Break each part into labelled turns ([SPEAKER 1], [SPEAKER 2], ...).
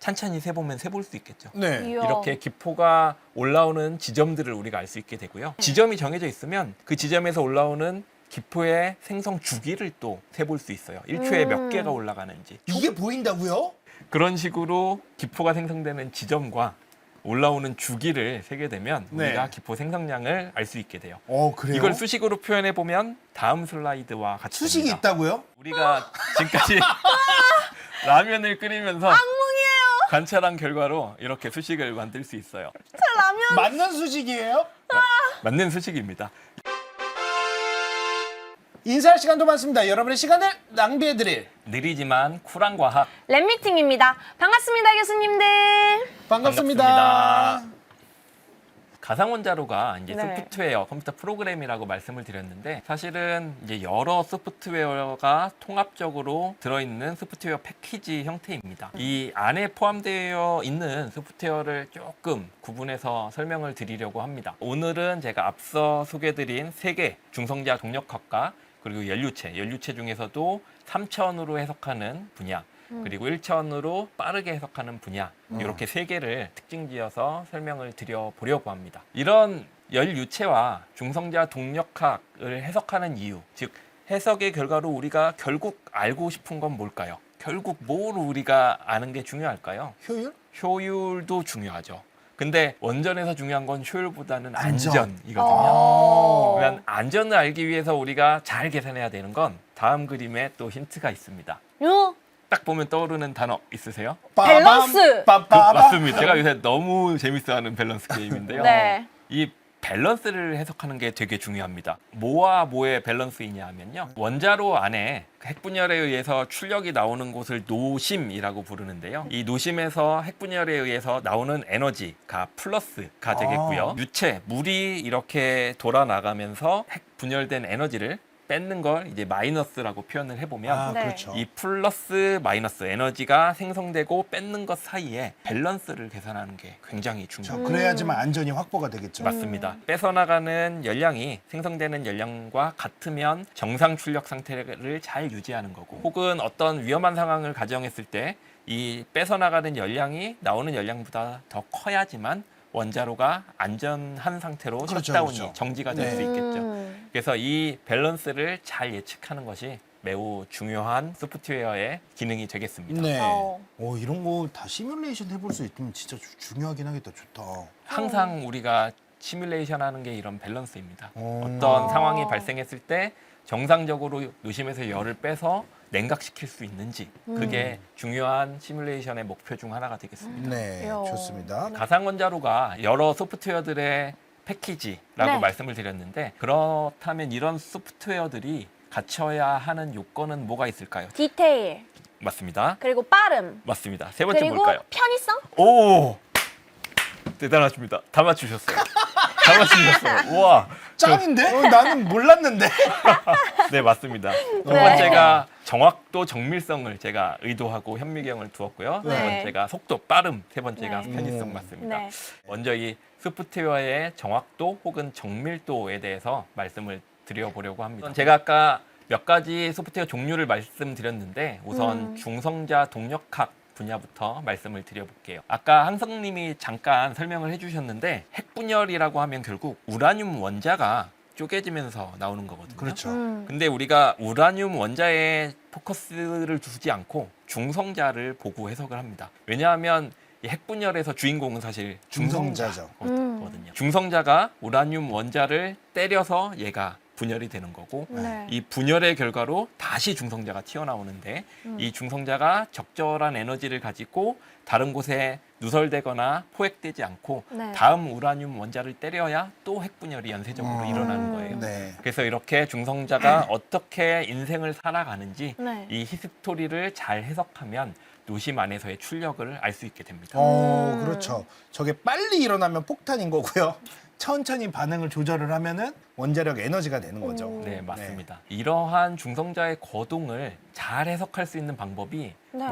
[SPEAKER 1] 찬찬히 세보면 세볼 수 있겠죠.
[SPEAKER 2] 네.
[SPEAKER 3] 이야.
[SPEAKER 1] 이렇게 기포가 올라오는 지점들을 우리가 알 수 있게 되고요. 지점이 정해져 있으면 그 지점에서 올라오는 기포의 생성 주기를 또 세볼 수 있어요. 1초에 몇 개가 올라가는지.
[SPEAKER 2] 이게 보인다고요?
[SPEAKER 1] 그런 식으로 기포가 생성되는 지점과 올라오는 주기를 세게 되면
[SPEAKER 2] 네.
[SPEAKER 1] 우리가 기포 생성량을 알 수 있게 돼요.
[SPEAKER 2] 그래요?
[SPEAKER 1] 이걸 수식으로 표현해 보면 다음 슬라이드와 같이
[SPEAKER 2] 수식이
[SPEAKER 1] 됩니다.
[SPEAKER 2] 있다고요?
[SPEAKER 1] 우리가 지금까지 라면을 끓이면서 관찰한 결과로 이렇게 수식을 만들 수 있어요.
[SPEAKER 3] 라면.
[SPEAKER 2] 맞는 수식이에요?
[SPEAKER 1] 맞는 수식입니다.
[SPEAKER 2] 인사할 시간도 많습니다. 여러분의 시간을 낭비해드릴
[SPEAKER 1] 느리지만 쿨한 과학.
[SPEAKER 3] 랩미팅입니다. 반갑습니다, 교수님들.
[SPEAKER 2] 반갑습니다.
[SPEAKER 1] 가상원자로가 이제
[SPEAKER 3] 네.
[SPEAKER 1] 소프트웨어, 컴퓨터 프로그램이라고 말씀을 드렸는데 사실은 이제 여러 소프트웨어가 통합적으로 들어있는 소프트웨어 패키지 형태입니다. 이 안에 포함되어 있는 소프트웨어를 조금 구분해서 설명을 드리려고 합니다. 오늘은 제가 앞서 소개드린 3개 중성자 동력학과 그리고 연료체 중에서도 3차원으로 해석하는 분야 그리고 1차원으로 빠르게 해석하는 분야 이렇게 3개를 특징지어서 설명을 드려보려고 합니다. 이런 연유체와 중성자 동력학을 해석하는 이유, 즉 해석의 결과로 우리가 결국 알고 싶은 건 뭘까요? 결국 뭘 우리가 아는 게 중요할까요?
[SPEAKER 2] 효율?
[SPEAKER 1] 효율도 중요하죠. 근데 원전에서 중요한 건 효율보다는
[SPEAKER 2] 안전.
[SPEAKER 1] 안전이거든요. 그러면 안전을 알기 위해서 우리가 잘 계산해야 되는 건 다음 그림에 또 힌트가 있습니다.
[SPEAKER 3] 요.
[SPEAKER 1] 딱 보면 떠오르는 단어 있으세요?
[SPEAKER 3] 밸런스!
[SPEAKER 1] 맞습니다. 제가 요새 너무 재밌어하는 밸런스 게임인데요.
[SPEAKER 3] 네.
[SPEAKER 1] 이 밸런스를 해석하는 게 되게 중요합니다. 뭐와 뭐의 밸런스이냐 하면요. 원자로 안에 핵분열에 의해서 출력이 나오는 곳을 노심이라고 부르는데요. 이 노심에서 핵분열에 의해서 나오는 에너지가 플러스가 되겠고요. 유체, 물이 이렇게 돌아나가면서 핵분열된 에너지를 뺏는 걸 이제 마이너스라고 표현을 해보면
[SPEAKER 3] 네.
[SPEAKER 2] 그렇죠.
[SPEAKER 1] 이 플러스 마이너스 에너지가 생성되고 뺏는 것 사이에 밸런스를 계산하는 게 굉장히 중요합니다.
[SPEAKER 2] 그래야지만 안전이 확보가 되겠죠.
[SPEAKER 1] 맞습니다. 뺏어나가는 열량이 생성되는 열량과 같으면 정상 출력 상태를 잘 유지하는 거고 혹은 어떤 위험한 상황을 가정했을 때 이 뺏어나가는 열량이 나오는 열량보다 더 커야지만 원자로가 안전한 상태로
[SPEAKER 2] 그렇죠,
[SPEAKER 1] 셧다운이
[SPEAKER 2] 그렇죠.
[SPEAKER 1] 정지가 될 수
[SPEAKER 2] 네.
[SPEAKER 1] 있겠죠. 그래서 이 밸런스를 잘 예측하는 것이 매우 중요한 소프트웨어의 기능이 되겠습니다.
[SPEAKER 2] 네.
[SPEAKER 3] 어.
[SPEAKER 2] 이런 거 다 시뮬레이션 해볼 수 있으면 진짜 중요하긴 하겠다. 좋다.
[SPEAKER 1] 항상 우리가 시뮬레이션 하는 게 이런 밸런스입니다.
[SPEAKER 2] 어.
[SPEAKER 1] 어떤 상황이 발생했을 때 정상적으로 노심에서 열을 빼서 냉각시킬 수 있는지 그게 중요한 시뮬레이션의 목표 중 하나가 되겠습니다.
[SPEAKER 2] 네,
[SPEAKER 3] 이야.
[SPEAKER 2] 좋습니다.
[SPEAKER 1] 가상원자로가 여러 소프트웨어들의 패키지라고
[SPEAKER 3] 네.
[SPEAKER 1] 말씀을 드렸는데 그렇다면 이런 소프트웨어들이 갖춰야 하는 요건은 뭐가 있을까요?
[SPEAKER 3] 디테일.
[SPEAKER 1] 맞습니다.
[SPEAKER 3] 그리고 빠름.
[SPEAKER 1] 맞습니다. 세 번째
[SPEAKER 3] 그리고
[SPEAKER 1] 뭘까요?
[SPEAKER 3] 편의성?
[SPEAKER 1] 오! 대단하십니다. 다 맞추셨어요. 다 맞추셨어요. 우와.
[SPEAKER 2] 짱인데? 나는 몰랐는데.
[SPEAKER 1] 네, 맞습니다. 두
[SPEAKER 3] 네.
[SPEAKER 1] 번째가 정확도, 정밀성을 제가 의도하고 현미경을 두었고요. 두
[SPEAKER 3] 네.
[SPEAKER 1] 번째가 속도, 빠름. 세 번째가
[SPEAKER 3] 네.
[SPEAKER 1] 편의성 맞습니다.
[SPEAKER 3] 네.
[SPEAKER 1] 먼저 이 소프트웨어의 정확도 혹은 정밀도에 대해서 말씀을 드려보려고 합니다. 제가 아까 몇 가지 소프트웨어 종류를 말씀드렸는데 우선 중성자 동력학 분야부터 말씀을 드려볼게요. 아까 항성님이 잠깐 설명을 해주셨는데 핵분열이라고 하면 결국 우라늄 원자가 쪼개지면서 나오는 거거든요.
[SPEAKER 2] 그렇죠.
[SPEAKER 1] 근데 우리가 우라늄 원자에 포커스를 두지 않고 중성자를 보고 해석을 합니다. 왜냐하면 이 핵분열에서 주인공은 사실
[SPEAKER 2] 중성자죠.
[SPEAKER 1] 중성자거든요. 중성자가 우라늄 원자를 때려서 얘가 분열이 되는 거고
[SPEAKER 3] 네.
[SPEAKER 1] 이 분열의 결과로 다시 중성자가 튀어나오는데 이 중성자가 적절한 에너지를 가지고 다른 곳에 누설되거나 포획되지 않고
[SPEAKER 3] 네.
[SPEAKER 1] 다음 우라늄 원자를 때려야 또 핵분열이 연쇄적으로 일어나는 거예요.
[SPEAKER 2] 네.
[SPEAKER 1] 그래서 이렇게 중성자가 어떻게 인생을 살아가는지
[SPEAKER 3] 네.
[SPEAKER 1] 이 히스토리를 잘 해석하면 노심 안에서의 출력을 알 수 있게 됩니다.
[SPEAKER 2] 그렇죠. 저게 빨리 일어나면 폭탄인 거고요. 천천히 반응을 조절을 하면은 원자력 에너지가 되는 거죠.
[SPEAKER 1] 네, 맞습니다. 이러한 중성자의 거동을 잘 해석할 수 있는 방법이
[SPEAKER 3] 네.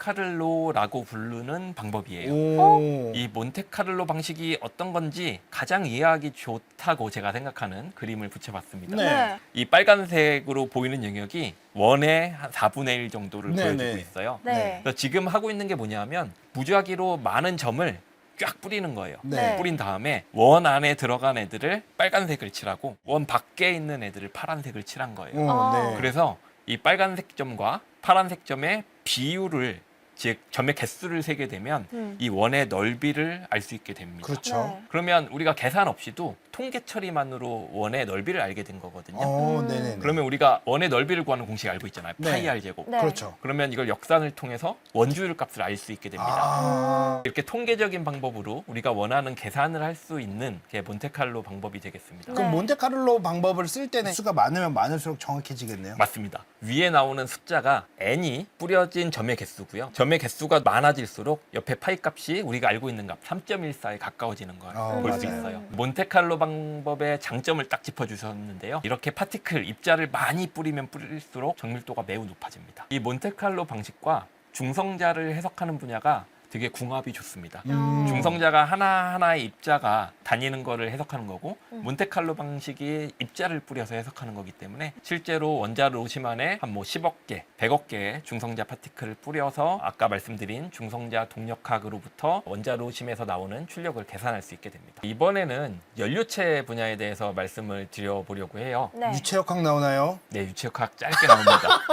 [SPEAKER 1] 몬테카를로라고 부르는 방법이에요.
[SPEAKER 2] 오.
[SPEAKER 1] 이 몬테카를로 방식이 어떤 건지 가장 이해하기 좋다고 제가 생각하는 그림을 붙여봤습니다.
[SPEAKER 2] 네.
[SPEAKER 1] 이 빨간색으로 보이는 영역이 원의 한 4분의 1 정도를
[SPEAKER 2] 네,
[SPEAKER 1] 보여주고
[SPEAKER 2] 네.
[SPEAKER 1] 있어요.
[SPEAKER 3] 네.
[SPEAKER 1] 그래서 지금 하고 있는 게 뭐냐면 무작위로 많은 점을 쫙 뿌리는 거예요.
[SPEAKER 2] 네.
[SPEAKER 1] 뿌린 다음에 원 안에 들어간 애들을 빨간색을 칠하고 원 밖에 있는 애들을 파란색을 칠한 거예요.
[SPEAKER 2] 네.
[SPEAKER 1] 그래서 이 빨간색 점과 파란색 점의 비율을 즉 점의 개수를 세게 되면 이 원의 넓이를 알 수 있게 됩니다.
[SPEAKER 2] 그렇죠.
[SPEAKER 3] 네.
[SPEAKER 1] 그러면 우리가 계산 없이도 통계 처리만으로 원의 넓이를 알게 된 거거든요.
[SPEAKER 2] 네네.
[SPEAKER 1] 그러면 우리가 원의 넓이를 구하는 공식 알고 있잖아요.
[SPEAKER 2] 네.
[SPEAKER 1] 파이 r 제곱.
[SPEAKER 3] 네.
[SPEAKER 2] 그렇죠.
[SPEAKER 1] 그러면 이걸 역산을 통해서 원주율 값을 알 수 있게 됩니다.
[SPEAKER 2] 아.
[SPEAKER 1] 이렇게 통계적인 방법으로 우리가 원하는 계산을 할 수 있는 게 몬테칼로 방법이 되겠습니다.
[SPEAKER 2] 그럼
[SPEAKER 3] 네.
[SPEAKER 2] 몬테카를로 방법을 쓸 때는 수가 많으면 많을수록 정확해지겠네요.
[SPEAKER 1] 맞습니다. 위에 나오는 숫자가 n이 뿌려진 점의 개수고요. 점의 개수가 많아질수록 옆에 파이 값이 우리가 알고 있는 값 3.14에 가까워지는 걸 볼 수
[SPEAKER 2] 맞아요.
[SPEAKER 1] 있어요. 몬테칼로 방법의 장점을 딱 짚어주셨는데요. 이렇게 파티클 입자를 많이 뿌리면 뿌릴수록 정밀도가 매우 높아집니다. 이 몬테칼로 방식과 중성자를 해석하는 분야가 되게 궁합이 좋습니다. 중성자가 하나하나의 입자가 다니는 거를 해석하는 거고 몬테칼로 방식이 입자를 뿌려서 해석하는 거기 때문에 실제로 원자 로심 안에 한 뭐 10억 개, 100억 개의 중성자 파티클을 뿌려서 아까 말씀드린 중성자 동력학으로부터 원자 로심에서 나오는 출력을 계산할 수 있게 됩니다. 이번에는 연료체 분야에 대해서 말씀을 드려보려고 해요.
[SPEAKER 3] 네.
[SPEAKER 2] 유체역학 나오나요?
[SPEAKER 1] 네, 유체역학 짧게 나옵니다.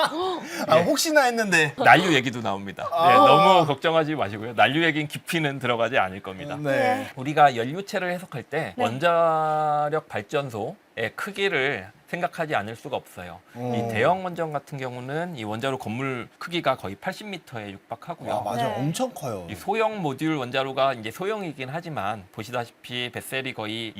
[SPEAKER 2] 아
[SPEAKER 1] 예.
[SPEAKER 2] 혹시나 했는데.
[SPEAKER 1] 난류 얘기도 나옵니다. 네, 너무 걱정하지 마시고요. 난류 얘기는 깊이는 들어가지 않을 겁니다.
[SPEAKER 2] 네.
[SPEAKER 1] 우리가 연료체를 해석할 때
[SPEAKER 3] 네.
[SPEAKER 1] 원자력 발전소의 크기를 생각하지 않을 수가 없어요. 이 대형 원전 같은 경우는 이 원자로 건물 크기가 거의 80m에 육박하고요.
[SPEAKER 2] 와 맞아,
[SPEAKER 3] 네.
[SPEAKER 2] 엄청 커요.
[SPEAKER 1] 이 소형 모듈 원자로가 이제 소형이긴 하지만 보시다시피 뱃셀이 거의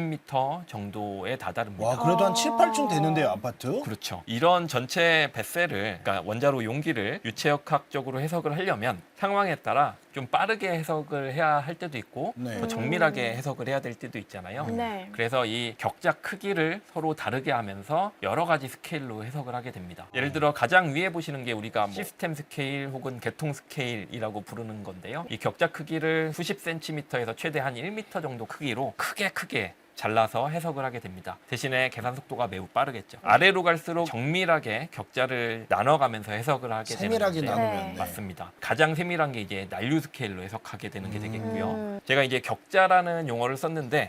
[SPEAKER 1] 20m 정도에 다다릅니다.
[SPEAKER 2] 와 그래도 한 7, 8층 되는데요, 아파트?
[SPEAKER 1] 그렇죠. 이런 전체 뱃셀을, 그러니까 원자로 용기를 유체역학적으로 해석을 하려면 상황에 따라 좀 빠르게 해석을 해야 할 때도 있고
[SPEAKER 2] 네.
[SPEAKER 1] 더 정밀하게 해석을 해야 될 때도 있잖아요.
[SPEAKER 3] 네.
[SPEAKER 1] 그래서 이 격자 크기를 서로 다르게 하면서 여러 가지 스케일로 해석을 하게 됩니다. 예를 들어 가장 위에 보시는 게 우리가 시스템 스케일 혹은 계통 스케일이라고 부르는 건데요. 이 격자 크기를 수십 센티미터에서 최대 한 1m 정도 크기로 크게 잘라서 해석을 하게 됩니다. 대신에 계산 속도가 매우 빠르겠죠. 아래로 갈수록 정밀하게 격자를 나눠가면서 해석을 하게
[SPEAKER 2] 세밀하게
[SPEAKER 1] 되는데
[SPEAKER 2] 나누면.
[SPEAKER 3] 네.
[SPEAKER 2] 네.
[SPEAKER 1] 맞습니다. 가장 세밀한 게 이제 난류 스케일로 해석하게 되는 게 되겠고요. 제가 이제 격자라는 용어를 썼는데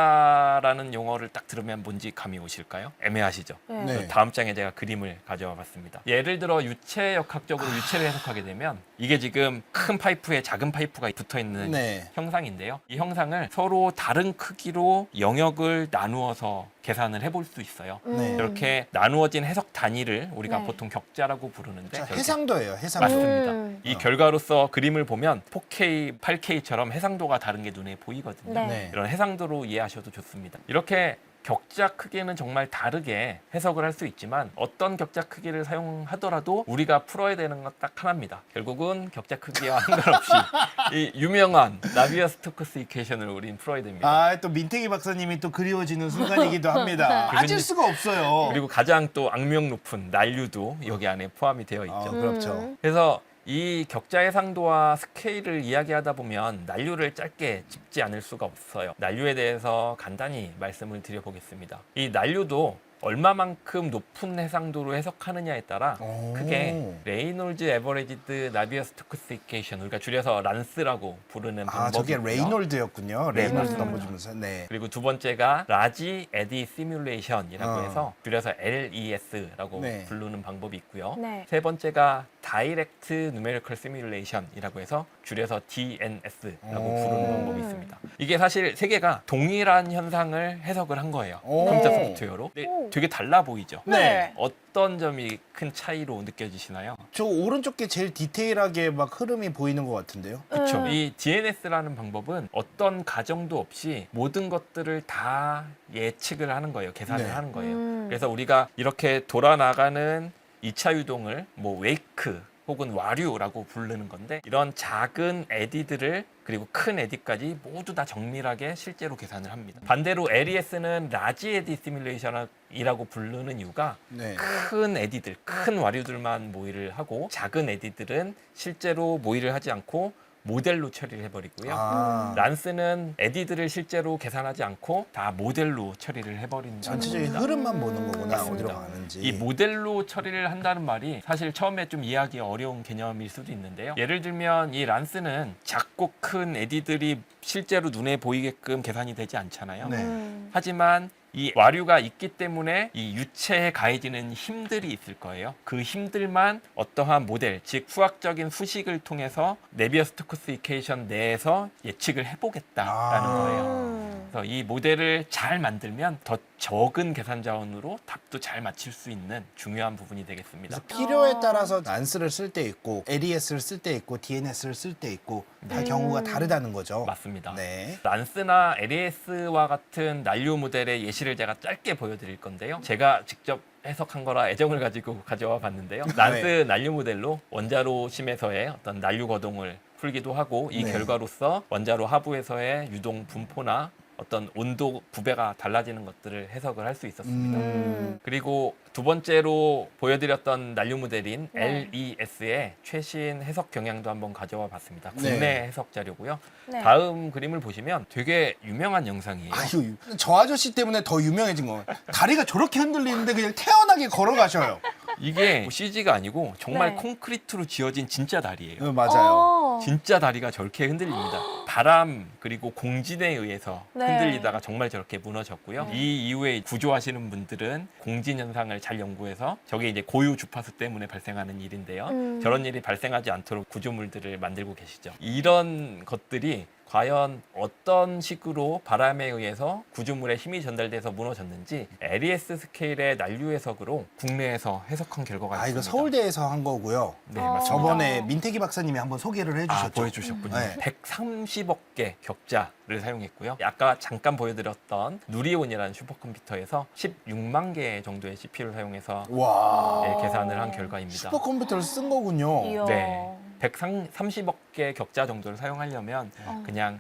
[SPEAKER 1] 격자라는 용어를 딱 들으면 뭔지 감이 오실까요? 애매하시죠?
[SPEAKER 3] 네.
[SPEAKER 2] 네.
[SPEAKER 1] 그래서 다음 장에 제가 그림을 가져와 봤습니다. 예를 들어 유체역학적으로 유체를 해석하게 되면 이게 지금 큰 파이프에 작은 파이프가 붙어 있는
[SPEAKER 2] 네.
[SPEAKER 1] 형상인데요. 이 형상을 서로 다른 크기로 영역을 나누어서 계산을 해볼 수 있어요.
[SPEAKER 2] 네.
[SPEAKER 1] 이렇게 나누어진 해석 단위를 우리가
[SPEAKER 3] 네.
[SPEAKER 1] 보통 격자라고 부르는데
[SPEAKER 2] 자,
[SPEAKER 1] 저렇게
[SPEAKER 2] 해상도예요, 해상도.
[SPEAKER 1] 맞습니다. 이
[SPEAKER 2] 어.
[SPEAKER 1] 결과로서 그림을 보면 4K, 8K처럼 해상도가 다른 게 눈에 보이거든요.
[SPEAKER 3] 네.
[SPEAKER 2] 네.
[SPEAKER 1] 이런 해상도로 이해하셔도 좋습니다. 이렇게 격자 크기는 정말 다르게 해석을 할 수 있지만 어떤 격자 크기를 사용하더라도 우리가 풀어야 되는 건 딱 하나입니다. 결국은 격자 크기와 상관없이 이 유명한 나비어-스토크스 이퀘이션을 우린 풀어야 됩니다.
[SPEAKER 2] 아, 또 민태기 박사님이 또 그리워지는 순간이기도 합니다.
[SPEAKER 1] 그래서
[SPEAKER 2] 빠질
[SPEAKER 1] 이제-
[SPEAKER 2] 수가 없어요.
[SPEAKER 1] 그리고 가장 또 악명 높은 난류도 여기 안에 포함이 되어 있죠.
[SPEAKER 2] 그렇죠.
[SPEAKER 1] 그래서 이 격자 해상도와 스케일을 이야기하다 보면 난류를 짧게 짚지 않을 수가 없어요. 난류에 대해서 간단히 말씀을 드려보겠습니다. 이 난류도 얼마만큼 높은 해상도로 해석하느냐에 따라
[SPEAKER 2] 오.
[SPEAKER 1] 크게 레이놀즈 에버리지드 나비어-스토크스 이퀘이션, 우리가 줄여서 란스라고 부르는
[SPEAKER 2] 아, 저게
[SPEAKER 1] 방법이고요.
[SPEAKER 2] 레이놀드였군요.
[SPEAKER 1] 네,
[SPEAKER 2] 레이놀드
[SPEAKER 1] 맞습니다.
[SPEAKER 2] 넘어주면서. 네.
[SPEAKER 1] 그리고 두 번째가 라지 에디 시뮬레이션이라고
[SPEAKER 2] 어.
[SPEAKER 1] 해서 줄여서 LES라고
[SPEAKER 2] 네.
[SPEAKER 1] 부르는 방법이 있고요.
[SPEAKER 3] 네.
[SPEAKER 1] 세 번째가 다이렉트 누메리컬 시뮬레이션이라고 해서 줄여서 DNS라고
[SPEAKER 2] 오.
[SPEAKER 1] 부르는 방법이 있습니다. 이게 사실 세 개가 동일한 현상을 해석을 한 거예요.
[SPEAKER 2] 오.
[SPEAKER 1] 컴퓨터 소프트웨어로. 근데
[SPEAKER 3] 오.
[SPEAKER 1] 되게 달라 보이죠?
[SPEAKER 2] 네.
[SPEAKER 1] 어떤 점이 큰 차이로 느껴지시나요?
[SPEAKER 2] 저 오른쪽 게 제일 디테일하게 막 흐름이 보이는 것 같은데요.
[SPEAKER 1] 그렇죠.
[SPEAKER 3] 음.
[SPEAKER 1] 이 DNS라는 방법은 어떤 가정도 없이 모든 것들을 다 예측을 하는 거예요. 계산을
[SPEAKER 2] 네.
[SPEAKER 1] 하는 거예요.
[SPEAKER 3] 음.
[SPEAKER 1] 그래서 우리가 이렇게 돌아나가는 2차 유동을 뭐 웨이크 혹은 와류라고 부르는 건데 이런 작은 에디들을 그리고 큰 에디까지 모두 다 정밀하게 실제로 계산을 합니다. 반대로 LES는 라지 에디 시뮬레이션이라고 부르는 이유가
[SPEAKER 2] 네.
[SPEAKER 1] 큰 에디들, 큰 와류들만 모의를 하고 작은 에디들은 실제로 모의를 하지 않고 모델로 처리를 해버리고요. 란스는 에디들을 실제로 계산하지 않고 다 모델로 처리를 해버린다.
[SPEAKER 2] 전체적인 흐름만 보는 거구나.
[SPEAKER 1] 맞습니다.
[SPEAKER 2] 어디로 가는지.
[SPEAKER 1] 이 모델로 처리를 한다는 말이 사실 처음에 좀 이해하기 어려운 개념일 수도 있는데요. 예를 들면 이 란스는 작고 큰 에디들이 실제로 눈에 보이게끔 계산이 되지 않잖아요.
[SPEAKER 2] 네.
[SPEAKER 1] 하지만 이 와류가 있기 때문에 이 유체에 가해지는 힘들이 있을 거예요. 그 힘들만 어떠한 모델, 즉 수학적인 수식을 통해서 네비어-스토크스 이퀘이션 내에서 예측을 해보겠다라는 거예요. 그래서 이 모델을 잘 만들면 더 적은 계산 자원으로 답도 잘 맞출 수 있는 중요한 부분이 되겠습니다.
[SPEAKER 2] 그래서 필요에 따라서 난스를 쓸 때 있고 LES를 쓸 때 있고 DNS를 쓸 때 있고 다 경우가 다르다는 거죠.
[SPEAKER 1] 맞습니다.
[SPEAKER 2] 네.
[SPEAKER 1] 란스나 LES와 같은 난류 모델의 예시를 제가 짧게 보여드릴 건데요. 제가 직접 해석한 거라 애정을 가지고 가져와 봤는데요. 란스 난류 모델로 원자로 심에서의 어떤 난류 거동을 풀기도 하고 이
[SPEAKER 2] 네.
[SPEAKER 1] 결과로서 원자로 하부에서의 유동 분포나 어떤 온도 구배가 달라지는 것들을 해석을 할 수 있었습니다. 그리고 두 번째로 보여드렸던 난류 모델인
[SPEAKER 3] 네.
[SPEAKER 1] LES의 최신 해석 경향도 한번 가져와 봤습니다.
[SPEAKER 2] 네.
[SPEAKER 1] 국내 해석 자료고요.
[SPEAKER 3] 네.
[SPEAKER 1] 다음 그림을 보시면 되게 유명한 영상이에요.
[SPEAKER 2] 아유, 저 아저씨 때문에 더 유명해진 거예요. 다리가 저렇게 흔들리는데 그냥 태연하게 걸어가셔요.
[SPEAKER 1] 이게 뭐 CG가 아니고 정말
[SPEAKER 3] 네.
[SPEAKER 1] 콘크리트로 지어진 진짜 다리예요.
[SPEAKER 2] 맞아요.
[SPEAKER 1] 진짜 다리가 저렇게 흔들립니다. 바람 그리고 공진에 의해서
[SPEAKER 3] 네.
[SPEAKER 1] 흔들리다가 정말 저렇게 무너졌고요. 이 이후에 구조하시는 분들은 공진 현상을 잘 연구해서 저게 이제 고유 주파수 때문에 발생하는 일인데요. 저런 일이 발생하지 않도록 구조물들을 만들고 계시죠. 이런 것들이 과연 어떤 식으로 바람에 의해서 구조물에 힘이 전달돼서 무너졌는지 LES 스케일의 난류 해석으로 국내에서 해석한 결과가
[SPEAKER 2] 아,
[SPEAKER 1] 있습니다.
[SPEAKER 2] 이거 서울대에서 한 거고요.
[SPEAKER 1] 네,
[SPEAKER 3] 아.
[SPEAKER 1] 맞습니다.
[SPEAKER 2] 저번에 민태기 박사님이 한번 소개를 해주셨죠.
[SPEAKER 1] 보여주셨군요.
[SPEAKER 2] 네.
[SPEAKER 1] 130억 개 격자를 사용했고요. 아까 잠깐 보여드렸던 누리온이라는 슈퍼컴퓨터에서 16만 개 정도의 CPU를 사용해서
[SPEAKER 2] 와.
[SPEAKER 1] 네, 계산을 한 결과입니다.
[SPEAKER 2] 슈퍼컴퓨터를 쓴 거군요.
[SPEAKER 3] 이야.
[SPEAKER 1] 네. 130억 개 격자 정도를 사용하려면
[SPEAKER 3] 어.
[SPEAKER 1] 그냥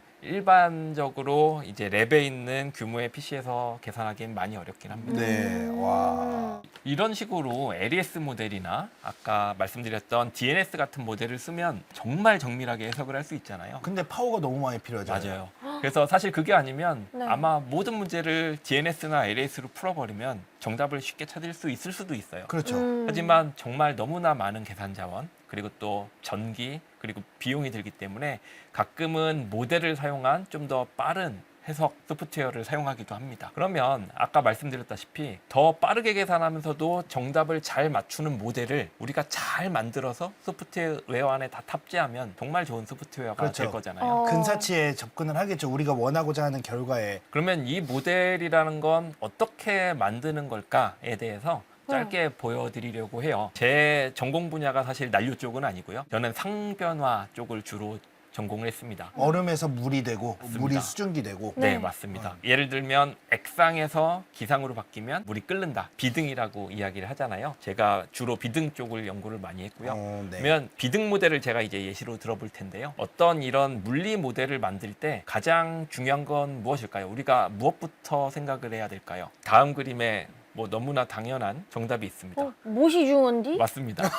[SPEAKER 1] 일반적으로 이제 랩에 있는 규모의 PC에서 계산하기엔 많이 어렵긴 합니다.
[SPEAKER 2] 네. 와.
[SPEAKER 1] 이런 식으로 LES 모델이나 아까 말씀드렸던 DNS 같은 모델을 쓰면 정말 정밀하게 해석을 할 수 있잖아요.
[SPEAKER 2] 근데 파워가 너무 많이 필요하잖아요.
[SPEAKER 1] 맞아요. 그래서 사실 그게 아니면
[SPEAKER 3] 네.
[SPEAKER 1] 아마 모든 문제를 DNS나 LES로 풀어버리면 정답을 쉽게 찾을 수 있을 수도 있어요.
[SPEAKER 2] 그렇죠.
[SPEAKER 1] 하지만 정말 너무나 많은 계산 자원 그리고 또 전기 그리고 비용이 들기 때문에 가끔은 모델을 사용한 좀 더 빠른 해석 소프트웨어를 사용하기도 합니다. 그러면 아까 말씀드렸다시피 더 빠르게 계산하면서도 정답을 잘 맞추는 모델을 우리가 잘 만들어서 소프트웨어 안에 다 탑재하면 정말 좋은 소프트웨어가
[SPEAKER 2] 그렇죠.
[SPEAKER 1] 될 거잖아요.
[SPEAKER 3] 어.
[SPEAKER 2] 근사치에 접근을 하겠죠. 우리가 원하고자 하는 결과에.
[SPEAKER 1] 그러면 이 모델이라는 건 어떻게 만드는 걸까에 대해서 짧게 보여드리려고 해요. 제 전공 분야가 사실 난류 쪽은 아니고요. 저는 상변화 쪽을 주로 전공을 했습니다.
[SPEAKER 2] 얼음에서 물이 되고
[SPEAKER 1] 맞습니다.
[SPEAKER 2] 물이 수증기 되고.
[SPEAKER 1] 네,
[SPEAKER 3] 네.
[SPEAKER 1] 맞습니다. 예를 들면 액상에서 기상으로 바뀌면 물이 끓는다. 비등이라고 이야기를 하잖아요. 제가 주로 비등 쪽을 연구를 많이 했고요.
[SPEAKER 2] 네.
[SPEAKER 1] 그러면 비등 모델을 제가 이제 예시로 들어볼 텐데요. 어떤 이런 물리 모델을 만들 때 가장 중요한 건 무엇일까요? 우리가 무엇부터 생각을 해야 될까요? 다음 그림에 뭐 너무나 당연한 정답이 있습니다.
[SPEAKER 3] 못이 중원디?
[SPEAKER 1] 맞습니다.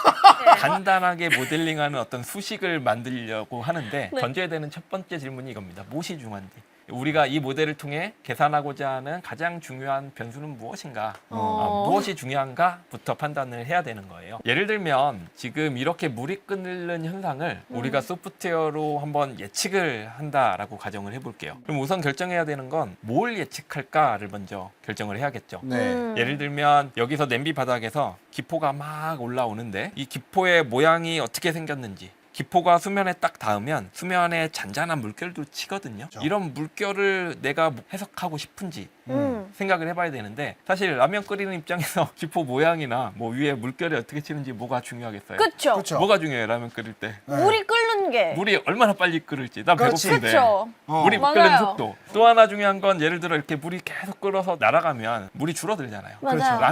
[SPEAKER 1] 간단하게 모델링하는 어떤 수식을 만들려고 하는데
[SPEAKER 3] 네.
[SPEAKER 1] 던져야 되는 첫 번째 질문이 이겁니다. 무엇이 중요한지. 우리가 이 모델을 통해 계산하고자 하는 가장 중요한 변수는 무엇인가? 무엇이 중요한가부터 판단을 해야 되는 거예요. 예를 들면 지금 이렇게 물이 끓는 현상을 우리가 소프트웨어로 한번 예측을 한다라고 가정을 해볼게요. 그럼 우선 결정해야 되는 건 뭘 예측할까를 먼저 결정을 해야겠죠.
[SPEAKER 2] 네.
[SPEAKER 1] 예를 들면 여기서 냄비 바닥에서 기포가 막 올라오는데 이 기포의 모양이 어떻게 생겼는지 기포가 수면에 딱 닿으면 수면에 잔잔한 물결도 치거든요.
[SPEAKER 2] 그렇죠.
[SPEAKER 1] 이런 물결을 내가 해석하고 싶은지 생각을 해봐야 되는데 사실 라면 끓이는 입장에서 기포 모양이나 뭐 위에 물결이 어떻게 치는지 뭐가 중요하겠어요?
[SPEAKER 3] 그쵸?
[SPEAKER 2] 그렇죠.
[SPEAKER 1] 뭐가 중요해요 라면 끓일 때?
[SPEAKER 2] 네.
[SPEAKER 3] 물이 끓는 게.
[SPEAKER 1] 물이 얼마나 빨리 끓을지 나
[SPEAKER 2] 그렇지.
[SPEAKER 1] 배고픈데
[SPEAKER 3] 그쵸?
[SPEAKER 1] 물이
[SPEAKER 3] 맞아요.
[SPEAKER 1] 끓는 속도 또 하나 중요한 건 예를 들어 이렇게 물이 계속 끓어서 날아가면 물이 줄어들잖아요.
[SPEAKER 3] 맞아요.
[SPEAKER 1] 그렇죠. 라면이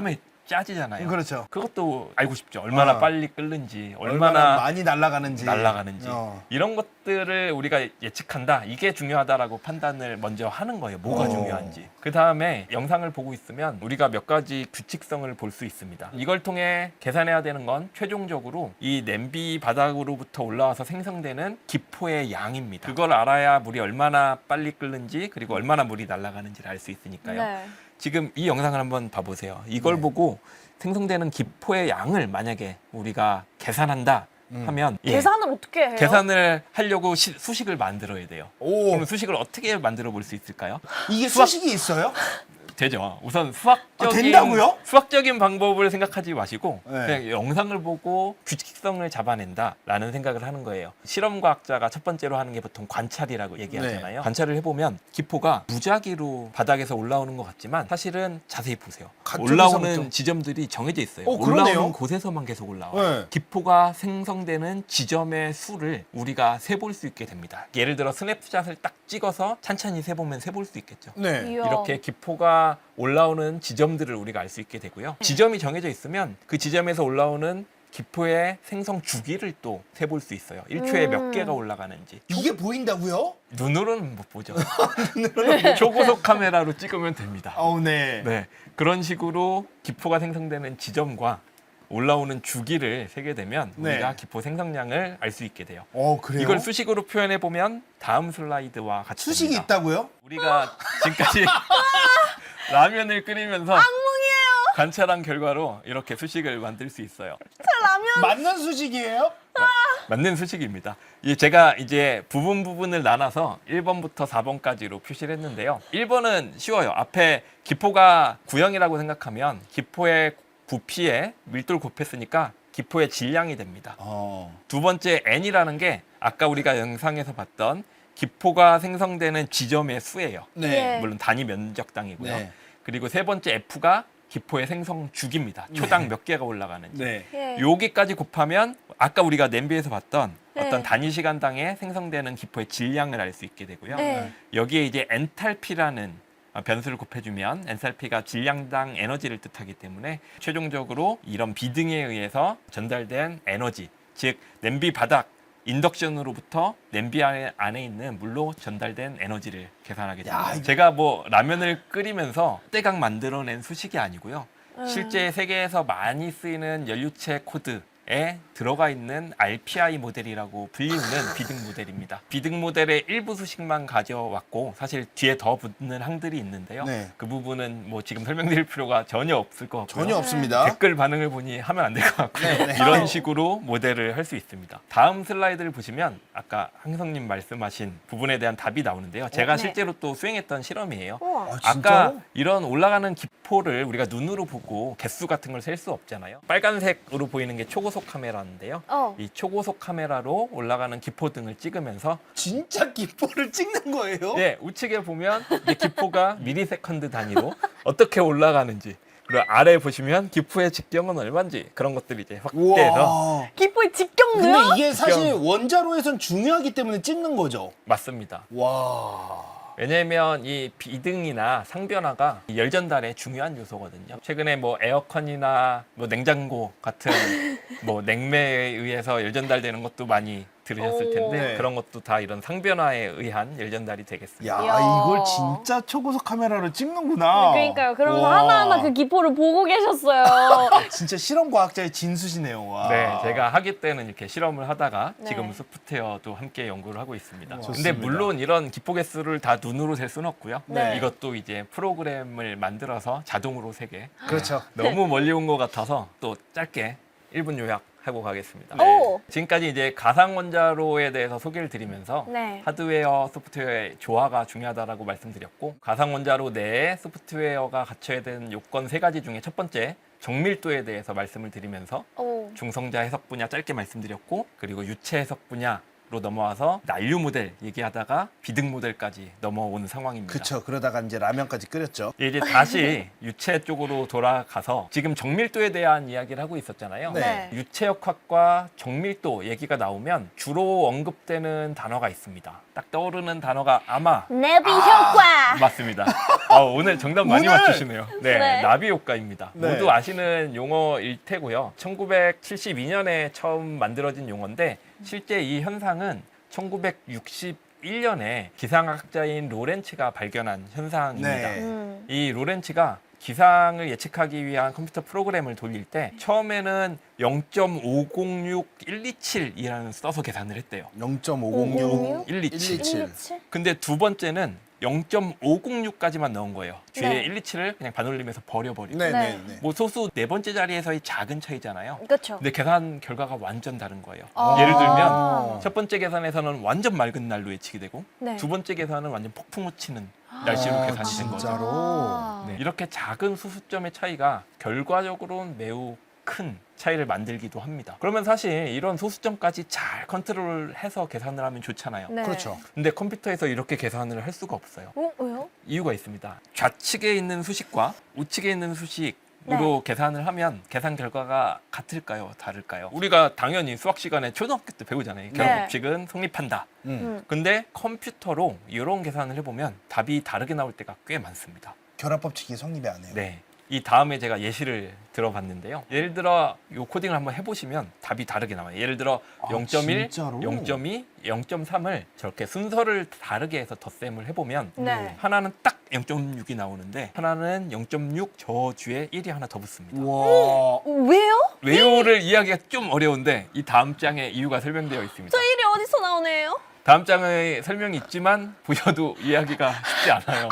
[SPEAKER 1] 짜지잖아요.
[SPEAKER 2] 그렇죠.
[SPEAKER 1] 그것도 알고 싶죠. 얼마나
[SPEAKER 2] 어.
[SPEAKER 1] 빨리 끓는지,
[SPEAKER 2] 얼마나
[SPEAKER 1] 얼마나
[SPEAKER 2] 많이 날아가는지.
[SPEAKER 1] 이런 것들을 우리가 예측한다. 이게 중요하다라고 판단을 먼저 하는 거예요. 뭐가
[SPEAKER 2] 어.
[SPEAKER 1] 중요한지. 그 다음에 영상을 보고 있으면 우리가 몇 가지 규칙성을 볼 수 있습니다. 이걸 통해 계산해야 되는 건 최종적으로 이 냄비 바닥으로부터 올라와서 생성되는 기포의 양입니다. 그걸 알아야 물이 얼마나 빨리 끓는지 그리고 얼마나 물이 날아가는지를 알 수 있으니까요.
[SPEAKER 3] 네.
[SPEAKER 1] 지금 이 영상을 한번 봐보세요. 이걸
[SPEAKER 2] 네.
[SPEAKER 1] 보고 생성되는 기포의 양을 만약에 우리가 계산한다 하면
[SPEAKER 3] 계산을 어떻게 해요?
[SPEAKER 1] 계산을 하려고 수식을 만들어야 돼요.
[SPEAKER 2] 오,
[SPEAKER 1] 그럼 수식을 어떻게 만들어 볼 수 있을까요?
[SPEAKER 2] 이게
[SPEAKER 1] 수학-
[SPEAKER 2] 수식이 있어요?
[SPEAKER 1] 되죠. 우선
[SPEAKER 2] 된다고요?
[SPEAKER 1] 수학적인 방법을 생각하지 마시고
[SPEAKER 2] 네.
[SPEAKER 1] 그냥 영상을 보고 규칙성을 잡아낸다라는 생각을 하는 거예요. 실험과학자가 첫 번째로 하는 게 보통 관찰이라고 얘기하잖아요.
[SPEAKER 2] 네.
[SPEAKER 1] 관찰을 해보면 기포가 무작위로 바닥에서 올라오는 것 같지만 사실은 자세히 보세요.
[SPEAKER 2] 가쪽에서부터.
[SPEAKER 1] 올라오는 지점들이 정해져 있어요.
[SPEAKER 2] 그러네요.
[SPEAKER 1] 올라오는 곳에서만 계속 올라와요.
[SPEAKER 2] 네.
[SPEAKER 1] 기포가 생성되는 지점의 수를 우리가 세볼 수 있게 됩니다. 예를 들어 스냅샷을 딱 찍어서 찬찬히 세보면 세볼 수 있겠죠.
[SPEAKER 2] 네.
[SPEAKER 3] 이야.
[SPEAKER 1] 이렇게 기포가 올라오는 지점들을 우리가 알 수 있게 되고요. 지점이 정해져 있으면 그 지점에서 올라오는 기포의 생성 주기를 또 세볼 수 있어요. 1초에 몇 개가 올라가는지.
[SPEAKER 2] 이게 보인다고요?
[SPEAKER 1] 눈으로는 못 보죠. 초고속 카메라로 찍으면 됩니다.
[SPEAKER 2] 네.
[SPEAKER 1] 네, 그런 식으로 기포가 생성되는 지점과 올라오는 주기를 세게 되면
[SPEAKER 2] 네.
[SPEAKER 1] 우리가 기포 생성량을 알 수 있게 돼요.
[SPEAKER 2] 그래요?
[SPEAKER 1] 이걸 수식으로 표현해 보면 다음 슬라이드와 같이
[SPEAKER 2] 수식이
[SPEAKER 1] 됩니다.
[SPEAKER 2] 있다고요?
[SPEAKER 1] 우리가 지금까지 라면을 끓이면서 관찰한 결과로 이렇게 수식을 만들 수 있어요.
[SPEAKER 2] 맞는 수식이에요?
[SPEAKER 1] 맞는 수식입니다. 제가 이제 부분을 나눠서 1번부터 4번까지로 표시를 했는데요. 1번은 쉬워요. 앞에 기포가 구형이라고 생각하면 기포의 부피에 밀도를 곱했으니까 기포의 질량이 됩니다. 두 번째 N이라는 게 아까 우리가 영상에서 봤던 기포가 생성되는 지점의 수예요.
[SPEAKER 3] 네.
[SPEAKER 1] 물론 단위 면적당이고요.
[SPEAKER 2] 네.
[SPEAKER 1] 그리고 세 번째 F가 기포의 생성 주기입니다. 초당 몇 개가 올라가는지.
[SPEAKER 2] 네.
[SPEAKER 3] 예.
[SPEAKER 1] 여기까지 곱하면 아까 우리가 냄비에서 봤던
[SPEAKER 3] 네.
[SPEAKER 1] 어떤 단위 시간당에 생성되는 기포의 질량을 알 수 있게 되고요.
[SPEAKER 3] 네.
[SPEAKER 1] 여기에 이제 엔탈피라는 변수를 곱해주면 엔탈피가 질량당 에너지를 뜻하기 때문에 최종적으로 이런 비등에 의해서 전달된 에너지, 즉 냄비 바닥 인덕션으로부터 냄비 안에 있는 물로 전달된 에너지를 계산하게 됩니다.
[SPEAKER 2] 이거-
[SPEAKER 1] 제가 뭐 라면을 끓이면서 때각 만들어낸 수식이 아니고요. 실제 세계에서 많이 쓰이는 연료체 코드에 들어가 있는 RPI 모델이라고 불리우는 비등 모델입니다. 비등 모델의 일부 수식만 가져왔고 사실 뒤에 더 붙는 항들이 있는데요.
[SPEAKER 2] 네.
[SPEAKER 1] 그 부분은 뭐 지금 설명드릴 필요가 전혀 없을 것 같고요.
[SPEAKER 2] 전혀 없습니다.
[SPEAKER 1] 댓글 반응을 보니 하면 안 될 것 같고요.
[SPEAKER 2] 네, 네.
[SPEAKER 1] 이런 식으로 모델을 할 수 있습니다. 다음 슬라이드를 보시면 아까 항성님 말씀하신 부분에 대한 답이 나오는데요. 제가
[SPEAKER 3] 네.
[SPEAKER 1] 실제로 또 수행했던 실험이에요.
[SPEAKER 3] 우와.
[SPEAKER 2] 진짜로?
[SPEAKER 1] 아까 이런 올라가는 기포를 우리가 눈으로 보고 개수 같은 걸 셀 수 없잖아요. 빨간색으로 보이는 게 초고속 카메라인데요. 이 초고속 카메라로 올라가는 기포 등을 찍으면서
[SPEAKER 2] 진짜 기포를 찍는 거예요?
[SPEAKER 1] 예, 우측에 보면 이 기포가 미리세컨드 단위로 어떻게 올라가는지 그리고 아래 보시면 기포의 직경은 얼마인지 그런 것들이 이제 확대해서
[SPEAKER 2] 우와.
[SPEAKER 3] 기포의 직경도요?
[SPEAKER 2] 근데 이게 사실 원자로에선 중요하기 때문에 찍는 거죠.
[SPEAKER 1] 맞습니다.
[SPEAKER 2] 와.
[SPEAKER 1] 왜냐하면 이 비등이나 상변화가 이 열 전달의 중요한 요소거든요. 최근에 뭐 에어컨이나 뭐 냉장고 같은 뭐 냉매에 의해서 열 전달되는 것도 많이 들으셨을 텐데
[SPEAKER 2] 네.
[SPEAKER 1] 그런 것도 다 이런 상변화에 의한 열 전달이 되겠습니다.
[SPEAKER 2] 야,
[SPEAKER 3] 이야.
[SPEAKER 2] 이걸 진짜 초고속 카메라로 찍는구나.
[SPEAKER 3] 그러니까요. 그러면서
[SPEAKER 2] 와.
[SPEAKER 3] 하나하나 그 기포를 보고 계셨어요.
[SPEAKER 2] 진짜 실험 과학자의 진수시네요. 와.
[SPEAKER 1] 네, 제가 학기 때는 이렇게 실험을 하다가
[SPEAKER 3] 네.
[SPEAKER 1] 지금 소프트웨어도 함께 연구를 하고 있습니다.
[SPEAKER 2] 우와.
[SPEAKER 1] 근데
[SPEAKER 2] 좋습니다.
[SPEAKER 1] 물론 이런 기포 개수를 다 눈으로 셀 수는 없고요.
[SPEAKER 3] 네.
[SPEAKER 1] 이것도 이제 프로그램을 만들어서 자동으로 세게
[SPEAKER 2] 그렇죠.
[SPEAKER 1] 너무 멀리 온 것 같아서 또 짧게 1분 요약하고 가겠습니다.
[SPEAKER 3] 오.
[SPEAKER 1] 지금까지 이제 가상 원자로에 대해서 소개를 드리면서
[SPEAKER 3] 네.
[SPEAKER 1] 하드웨어, 소프트웨어의 조화가 중요하다라고 말씀드렸고 가상 원자로 내에 소프트웨어가 갖춰야 되는 요건 3가지 중에 첫 번째 정밀도에 대해서 말씀을 드리면서
[SPEAKER 3] 오.
[SPEAKER 1] 중성자 해석 분야 짧게 말씀드렸고 그리고 유체 해석 분야 넘어와서 난류 모델 얘기하다가 비등 모델까지 넘어오는 상황입니다.
[SPEAKER 2] 그쵸. 그러다가 이제 라면까지 끓였죠.
[SPEAKER 1] 이제 다시 유체 쪽으로 돌아가서 지금 정밀도에 대한 이야기를 하고 있었잖아요.
[SPEAKER 2] 네.
[SPEAKER 1] 유체역학과 정밀도 얘기가 나오면 주로 언급되는 단어가 있습니다. 딱 떠오르는 단어가 아마
[SPEAKER 3] 내비 효과.
[SPEAKER 1] 맞습니다. 오늘 정답 많이
[SPEAKER 2] 오늘!
[SPEAKER 1] 맞추시네요. 네,
[SPEAKER 3] 네.
[SPEAKER 1] 나비 효과입니다.
[SPEAKER 2] 네.
[SPEAKER 1] 모두 아시는 용어일 테고요. 1972년에 처음 만들어진 용어인데 실제 이 현상은 1961년에 기상학자인 로렌츠가 발견한 현상입니다.
[SPEAKER 2] 네.
[SPEAKER 1] 이 로렌츠가 기상을 예측하기 위한 컴퓨터 프로그램을 돌릴 때 처음에는 0.506127이라는 써서 계산을 했대요.
[SPEAKER 2] 0.506
[SPEAKER 1] 127.
[SPEAKER 2] 127.
[SPEAKER 1] 근데 두 번째는 0.506까지만 넣은 거예요. 뒤에
[SPEAKER 3] 네.
[SPEAKER 1] 127을 그냥 반올림해서 버려버리고.
[SPEAKER 2] 네,
[SPEAKER 3] 네.
[SPEAKER 2] 네, 네.
[SPEAKER 1] 뭐 소수 네 번째 자리에서의 작은 차이잖아요.
[SPEAKER 3] 그렇죠.
[SPEAKER 1] 근데 계산 결과가 완전 다른 거예요.
[SPEAKER 3] 아.
[SPEAKER 1] 예를 들면 첫 번째 계산에서는 완전 맑은 날로 예측이 되고
[SPEAKER 3] 네.
[SPEAKER 1] 두 번째 계산은 완전 폭풍 우치는 날씨로 계산이 된 거죠.
[SPEAKER 2] 진짜로?
[SPEAKER 3] 아.
[SPEAKER 1] 네, 이렇게 작은 수수점의 차이가 결과적으로는 매우 큰 차이를 만들기도 합니다. 그러면 사실 이런 소수점까지 잘 컨트롤해서 계산을 하면 좋잖아요.
[SPEAKER 3] 네.
[SPEAKER 2] 그렇죠.
[SPEAKER 1] 근데 컴퓨터에서 이렇게 계산을 할 수가 없어요.
[SPEAKER 3] 왜요?
[SPEAKER 1] 이유가 있습니다. 좌측에 있는 수식과 우측에 있는 수식으로 계산을 하면 계산 결과가 같을까요? 다를까요? 우리가 당연히 수학 시간에 초등학교 때 배우잖아요.
[SPEAKER 3] 네.
[SPEAKER 1] 결합법칙은 성립한다.
[SPEAKER 2] 음.
[SPEAKER 1] 근데 컴퓨터로 이런 계산을 해보면 답이 다르게 나올 때가 꽤 많습니다.
[SPEAKER 2] 결합법칙이 성립이 안 해요.
[SPEAKER 1] 네. 이 다음에 제가 예시를 들어봤는데요. 예를 들어 이 코딩을 한번 해보시면 답이 다르게 나와요. 예를 들어
[SPEAKER 2] 아,
[SPEAKER 1] 0.1,
[SPEAKER 2] 진짜로?
[SPEAKER 1] 0.2, 0.3을 저렇게 순서를 다르게 해서 덧셈을 해보면
[SPEAKER 3] 네.
[SPEAKER 1] 하나는 딱 0.6이 나오는데 하나는 0.6 저주에 1이 하나 더 붙습니다.
[SPEAKER 2] 와.
[SPEAKER 3] 왜요?
[SPEAKER 1] 외우를 이해하기가 좀 어려운데 이 다음 장에 이유가 설명되어 있습니다.
[SPEAKER 3] 저 일이 어디서 나오네요?
[SPEAKER 1] 다음 장에 설명이 있지만 보셔도 이해하기가 쉽지 않아요.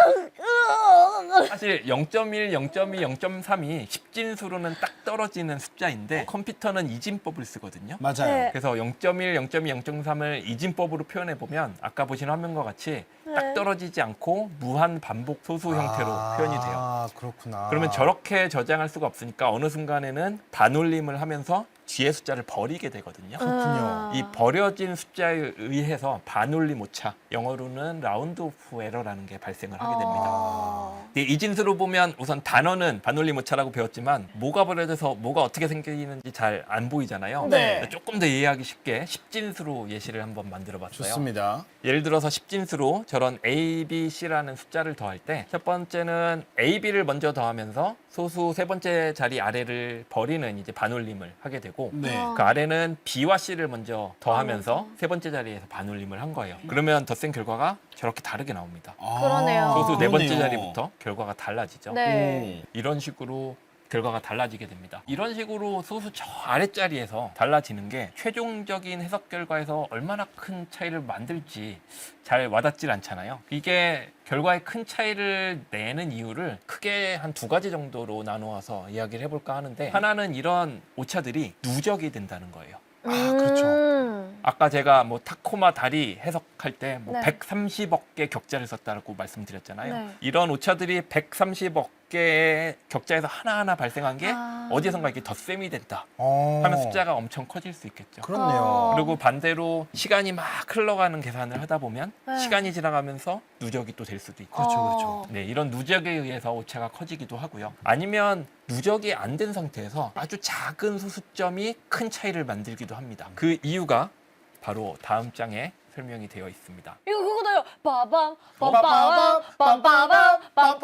[SPEAKER 1] 사실 0.1, 0.2, 0.3이 십진수로는 딱 떨어지는 숫자인데 컴퓨터는 이진법을 쓰거든요.
[SPEAKER 2] 맞아요.
[SPEAKER 3] 네.
[SPEAKER 1] 그래서 0.1, 0.2, 0.3을 이진법으로 표현해 보면 아까 보신 화면과 같이 딱
[SPEAKER 3] 네.
[SPEAKER 1] 떨어지지 않고 무한 반복 소수 형태로 표현이 돼요.
[SPEAKER 2] 아, 그렇구나.
[SPEAKER 1] 그러면 저렇게 저장할 수가 없으니까 어느 순간에는 반올림을 하면서 뒤에 숫자를 버리게 되거든요.
[SPEAKER 2] 그렇군요.
[SPEAKER 1] 이 버려진 숫자에 의해서 반올림 오차, 영어로는 라운드 오프 에러라는 게 발생을 하게 됩니다.
[SPEAKER 3] 아.
[SPEAKER 1] 이 이진수로 보면 우선 단어는 반올림 오차라고 배웠지만 뭐가 버려져서 뭐가 어떻게 생기는지 잘 안 보이잖아요.
[SPEAKER 3] 네.
[SPEAKER 1] 조금 더 이해하기 쉽게 십진수로 예시를 한번 만들어 봤어요.
[SPEAKER 2] 좋습니다.
[SPEAKER 1] 예를 들어서 십진수로 저런 A, B, C라는 숫자를 더할 때 첫 번째는 A, B를 먼저 더하면서 소수 세 번째 자리 아래를 버리는 이제 반올림을 하게 되고
[SPEAKER 2] 네.
[SPEAKER 3] 아.
[SPEAKER 1] 그 아래는 B와 C를 먼저 더하면서 세 번째 자리에서 반올림을 한 거예요. 그러면 덧셈 결과가 저렇게 다르게 나옵니다.
[SPEAKER 2] 아,
[SPEAKER 3] 그러네요.
[SPEAKER 1] 소수 네 번째
[SPEAKER 2] 그러네요.
[SPEAKER 1] 자리부터 결과가 달라지죠.
[SPEAKER 3] 네.
[SPEAKER 1] 이런 식으로 결과가 달라지게 됩니다. 이런 식으로 소수 저 아랫자리에서 달라지는 게 최종적인 해석 결과에서 얼마나 큰 차이를 만들지 잘 와닿질 않잖아요. 이게 결과에 큰 차이를 내는 이유를 크게 한 두 가지 정도로 나누어서 이야기를 해볼까 하는데 하나는 이런 오차들이 누적이 된다는 거예요.
[SPEAKER 2] 아, 그렇죠.
[SPEAKER 1] 아까 제가 뭐 타코마 다리 해석할 때 뭐
[SPEAKER 3] 네.
[SPEAKER 1] 130억 개 격자를 썼다고 말씀드렸잖아요.
[SPEAKER 3] 네.
[SPEAKER 1] 이런 오차들이 130억 개의 격자에서 하나하나 발생한 게
[SPEAKER 3] 아.
[SPEAKER 1] 어디선가 이렇게 덧셈이 된다
[SPEAKER 2] 어.
[SPEAKER 1] 하면 숫자가 엄청 커질 수 있겠죠.
[SPEAKER 2] 그렇네요.
[SPEAKER 3] 어.
[SPEAKER 1] 그리고 반대로 시간이 막 흘러가는 계산을 하다 보면
[SPEAKER 3] 네.
[SPEAKER 1] 시간이 지나가면서 누적이 또 될 수도 있고.
[SPEAKER 2] 그렇죠, 그렇죠.
[SPEAKER 1] 네, 이런 누적에 의해서 오차가 커지기도 하고요. 아니면 누적이 안 된 상태에서 아주 작은 소수점이 큰 차이를 만들기도 합니다. 그 이유가 바로 다음 장에 설명이 되어 있습니다.
[SPEAKER 3] 이거 그거다요. 빠밤 빠빠밤 빠빠밤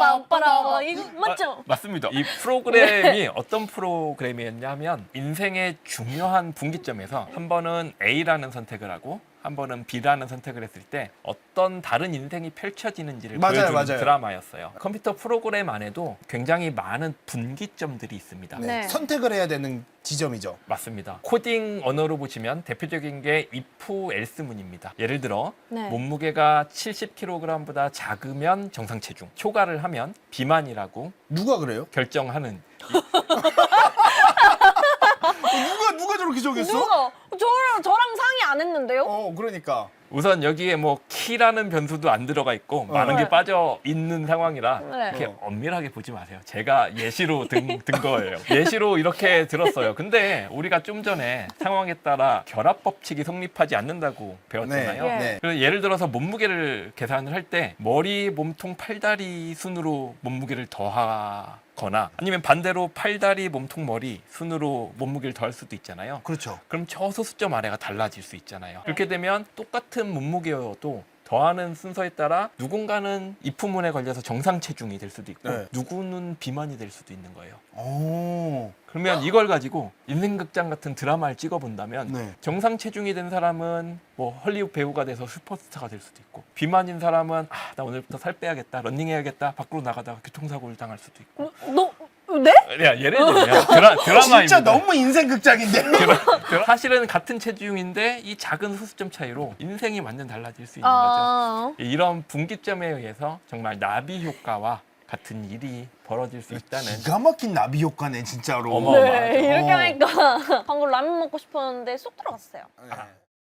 [SPEAKER 3] 빠빠빠라 이거 맞죠?
[SPEAKER 1] 맞습니다. 이 프로그램이 어떤 프로그램이었냐면 인생의 중요한 분기점에서 한 번은 A라는 선택을 하고 한 번은 B라는 선택을 했을 때 어떤 다른 인생이 펼쳐지는지를
[SPEAKER 2] 맞아요,
[SPEAKER 1] 보여주는
[SPEAKER 2] 맞아요.
[SPEAKER 1] 드라마였어요. 컴퓨터 프로그램 안에도 굉장히 많은 분기점들이 있습니다.
[SPEAKER 2] 네.
[SPEAKER 3] 네.
[SPEAKER 2] 선택을 해야 되는 지점이죠.
[SPEAKER 1] 맞습니다. 코딩 언어로 보시면 대표적인 게 if else문입니다. 예를 들어
[SPEAKER 3] 네.
[SPEAKER 1] 몸무게가 70kg보다 작으면 정상 체중, 초과를 하면 비만이라고
[SPEAKER 2] 누가 그래요?
[SPEAKER 1] 결정하는
[SPEAKER 2] 누가 저렇게 정했어?
[SPEAKER 3] 누가 저랑 상의 안 했는데요?
[SPEAKER 2] 그러니까.
[SPEAKER 1] 우선 여기에 뭐 키라는 변수도 안 들어가 있고 많은
[SPEAKER 3] 네.
[SPEAKER 1] 게 빠져 있는 상황이라
[SPEAKER 3] 네.
[SPEAKER 1] 이렇게 엄밀하게 보지 마세요. 제가 예시로 든 거예요. 예시로 이렇게 들었어요. 근데 우리가 좀 전에 상황에 따라 결합 법칙이 성립하지 않는다고 배웠잖아요.
[SPEAKER 3] 네.
[SPEAKER 2] 네.
[SPEAKER 1] 그래서 예를 들어서 몸무게를 계산을 할 때 머리, 몸통, 팔다리 순으로 몸무게를 더하거나 아니면 반대로 팔다리, 몸통, 머리 순으로 몸무게를 더할 수도 있잖아요.
[SPEAKER 2] 그렇죠.
[SPEAKER 1] 그럼 저 소수점 아래가 달라질 수 있잖아요. 그렇게 되면 똑같은 몸무게여도 더하는 순서에 따라 누군가는 입후문에 걸려서 정상 체중이 될 수도 있고
[SPEAKER 2] 네.
[SPEAKER 1] 누구는 비만이 될 수도 있는 거예요.
[SPEAKER 2] 오.
[SPEAKER 1] 그러면 이걸 가지고 인생극장 같은 드라마를 찍어본다면
[SPEAKER 2] 네.
[SPEAKER 1] 정상 체중이 된 사람은 뭐 헐리우드 배우가 돼서 슈퍼스타가 될 수도 있고 비만인 사람은 나 오늘부터 살 빼야겠다, 런닝해야겠다, 밖으로 나가다가 교통사고를 당할 수도 있고.
[SPEAKER 3] 네?
[SPEAKER 1] 야, 예를 들면 드라마입니다.
[SPEAKER 2] 진짜 너무 인생 극장인데.
[SPEAKER 1] 사실은 같은 체중인데 이 작은 소수점 차이로 인생이 완전 달라질 수 있는 거죠.
[SPEAKER 3] 아,
[SPEAKER 1] 이런 분기점에 의해서 정말 나비 효과와 같은 일이 벌어질 수 있다는.
[SPEAKER 2] 기가 막힌 나비 효과네 진짜로.
[SPEAKER 1] 어머.
[SPEAKER 3] 네,
[SPEAKER 1] 맞아.
[SPEAKER 3] 이렇게 하니까 방금 라면 먹고 싶었는데 쏙 들어갔어요.
[SPEAKER 2] 네.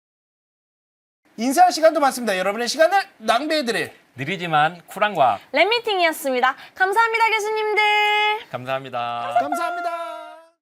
[SPEAKER 2] 인사할 시간도 많습니다. 여러분의 시간을 낭비해드릴
[SPEAKER 1] 느리지만 쿨한 과학.
[SPEAKER 3] 랩미팅이었습니다. 감사합니다, 교수님들.
[SPEAKER 1] 감사합니다.
[SPEAKER 2] 감사합니다.